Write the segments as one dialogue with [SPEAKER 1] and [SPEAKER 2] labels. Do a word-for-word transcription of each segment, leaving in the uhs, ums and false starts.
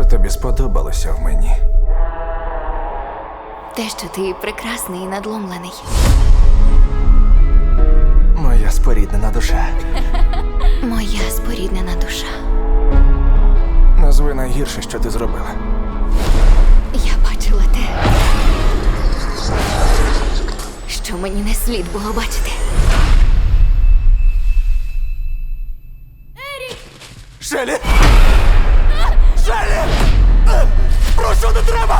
[SPEAKER 1] тобі сподобалося в мені?
[SPEAKER 2] Те, що ти прекрасний і надломлений.
[SPEAKER 1] Моя споріднена душа.
[SPEAKER 2] Моя споріднена душа.
[SPEAKER 1] Назви найгірше, що ти зробила.
[SPEAKER 2] Я бачила те, що мені не слід було бачити.
[SPEAKER 1] Шелі! Шелі! Прошу, не треба!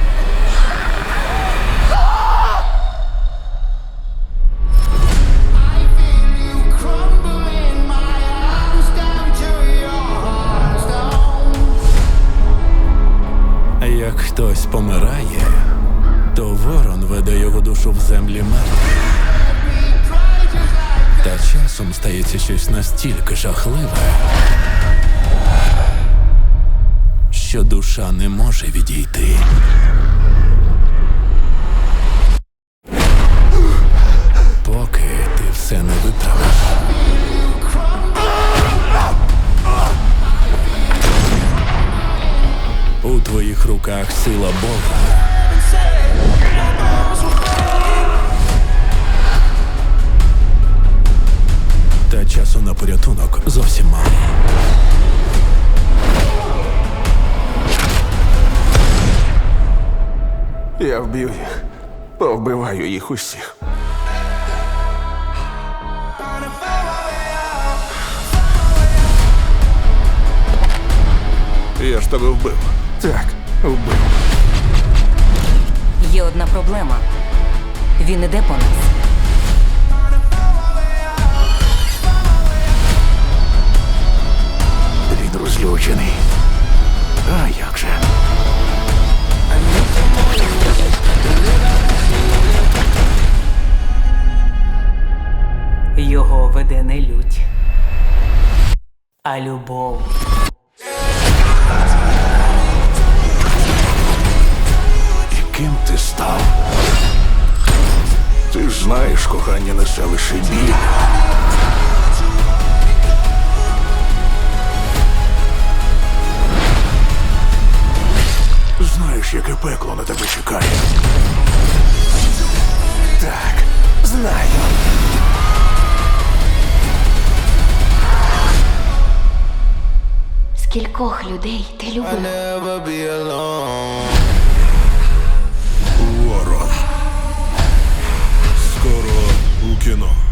[SPEAKER 3] Як хтось помирає, то ворон веде його душу в землі мертвих. Та часом стається щось настільки жахливе, що душа не може відійти. Поки ти все не виправиш. У твоїх руках сила Бога. Та часу на порятунок зовсім мало.
[SPEAKER 1] Я вб'ю їх. Повбиваю їх усіх. Я ж тебе вбив. Так, вбив.
[SPEAKER 4] Є одна проблема. Він іде по нас.
[SPEAKER 1] Він розлючений. А як же?
[SPEAKER 4] Його веде не лють, а любов.
[SPEAKER 1] Ким ти став? Ти ж знаєш, кохання несе лише біль. Знаєш, яке пекло на тебе чекає? Так, знаю.
[SPEAKER 2] Скількох людей ти любила?
[SPEAKER 5] Ворон. Скоро у кіно.